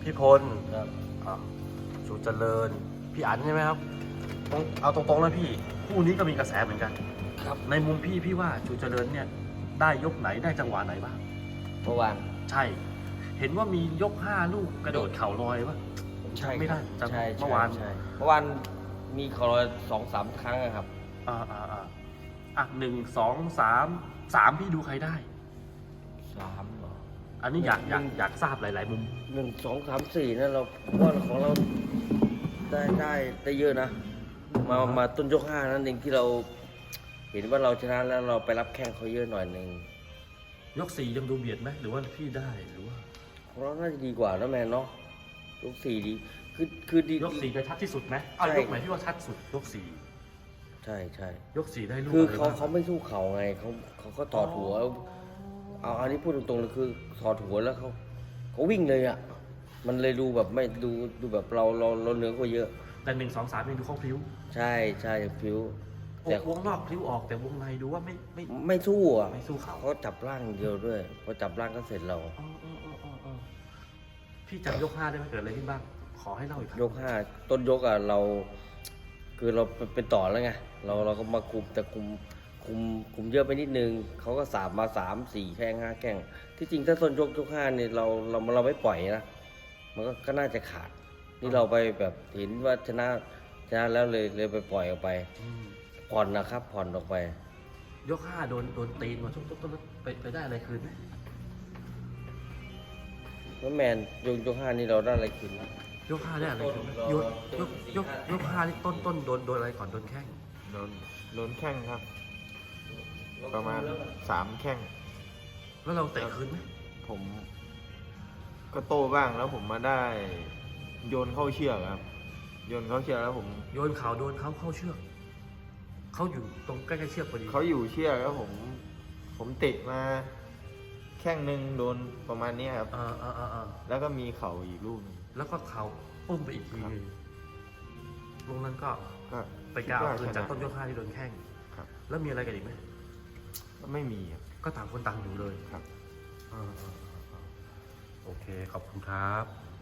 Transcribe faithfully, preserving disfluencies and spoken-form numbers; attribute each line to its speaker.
Speaker 1: พี่พล
Speaker 2: ครับ
Speaker 1: อ่าชูเจริญพี่อั๋นใช่ไหมครับต้องเอาตรงๆเลยพี่คู่นี้ก็มีกระแสเหมือนกัน
Speaker 2: ครับ
Speaker 1: ในมุมพี่พี่ว่าชูเจริญเนี่ยได้ยกไหนได้จังหวะไหนบ้าง
Speaker 2: เมื่อวาน
Speaker 1: ใช่ เห็นว่ามียกห้าลูกกระโดดเข่าลอยปะ
Speaker 2: ใช่
Speaker 1: จำไม่ได้
Speaker 2: ใช่
Speaker 1: จำ
Speaker 2: ใช่
Speaker 1: เมื่อวาน
Speaker 2: ใช่เมื่อวานมีขอรอยสองสามครั้งอะครับ
Speaker 1: อ่าอ่าอ่าอ่ะหนึ่งสองสามสามพี่ดูใครได้
Speaker 2: สามเหรอ
Speaker 1: อันนี้อยากอยากอยากทราบหลาย ๆ มุม
Speaker 2: หนึ่งสองสามสี่นั่นเราว่าของเราได้ได้ได้เยอะนะ มามาต้นยกห้านั่นเองที่เรา เห็นว่าเราชนะแล้วเราไปรับแข้งเขาเยอะหน่อยหนึ่ง
Speaker 1: ยกสี่ยังดูเบียดไหมหรือว่าพี่ได้หรือว่า
Speaker 2: ของเราน่าจะดีกว่านะแมนเนาะยกสี่ดีคือคือดี
Speaker 1: ยกสี่จะชัดที่สุดไหมเอา
Speaker 2: ใช่
Speaker 1: ยกไหนที่ว่าชัดสุดยกสี่
Speaker 2: ใช่ใช่
Speaker 1: ยกสี่ได้ลูก
Speaker 2: คือ
Speaker 1: อะไร
Speaker 2: เขา
Speaker 1: บ้าง
Speaker 2: เขาไม่สู้เขาไงเขาเขาก็ถอดหัว เอาอันนี้พูดตรงๆเลยคือถอดหัวแล้วเขาเขาวิ่งเลยอ่ะมันเลยดูแบบไม่ดูดูแบบเราเราเราเหนือกว่าเยอะ
Speaker 1: แต่หนึ่งสองสามยังดูเขาพลิ้ว
Speaker 2: ใช่ใช่ฟิว
Speaker 1: อ
Speaker 2: แต่
Speaker 1: อกวงนอกพลิ้วออกแต่วงในดูว่าไม่ไม่
Speaker 2: ไม่สู้อ่ะ
Speaker 1: ไม่สู้เขา
Speaker 2: เขาจับร่างเดียวด้วยพอจับร่างก็เสร็จเรา
Speaker 1: อ๋ออ๋ออ๋ออ๋ออ๋อพี่จำยกห้าได้ไหมเกิดอะไรขึ้นบ้าง ขอให้เล่าอีกครั้ง
Speaker 2: ยกห้าต้นยกอ่ะเรา คือเราเป็นต่อแล้วไงเราเราก็มาคุมแต่คุมคุมคุมเยอะไปนิดนึงเขาก็สามมาสามสี่แข้งห้าแข้งที่จริงถ้าต้นยกยกห้าเนี่ยเราเราเราไม่ปล่อยนะมันก็ก็น่าจะขาด นี่เราไปแบบเห็นว่าชนะชนะแล้วเลยเลยไปปล่อยออกไป
Speaker 1: อืม
Speaker 2: ผ่อนนะครับ ผ่อนออกไป
Speaker 1: ยกห้าโดนโดนตีนมาช่วงต้นต้นไปไปได้อะไรคืนไหม
Speaker 2: แล้วแมนยกยกห้านี่เราได้อะไรคืนนะ
Speaker 1: ยกห้าได้อะไรคืนไหมยกยกยกยกห้านี่ต้นต้นโดนโดนอะไรก่อนโดนแข้ง
Speaker 3: โดนโดนแข้งครับ ประมาณสามแข้ง
Speaker 1: แล้วเราเตะคืนไหม
Speaker 3: ผมก็โต้บ้างแล้วผมมาได้โยนเข้าเชือกครับ โยนเข้าเชือกแล้วผม
Speaker 1: โยนเข่าโดนเขาเข้าเชือกเขาอยู่ตรงใกล้ๆเชือกพอดี
Speaker 3: เขาอยู่เชือกแล้วผม ผมเตะมาแข้งหนึ่งโดนประมาณนี้ครับ
Speaker 1: อ่าอ่าอ่าอ่า
Speaker 3: แล้วก็มีเข่าอีกลูกหนึง
Speaker 1: แล้วก็เข่าปุ้มไปอีกที
Speaker 3: ครับ
Speaker 1: หนึงลงนั้นก็
Speaker 3: ก็
Speaker 1: ไปกล้าเอาคืน
Speaker 3: คิดว่
Speaker 1: จากต้นยกห้าที่โดนแข้ง
Speaker 3: ครับ
Speaker 1: แล้วมีอะไรกันอีกไหม
Speaker 3: ก็ไม่มีครับ
Speaker 1: ก็ต่างคนต่างอยู่เลย
Speaker 3: ครับ
Speaker 1: อ่าอ่าอ่าอ่าโอเค ขอบคุณครับ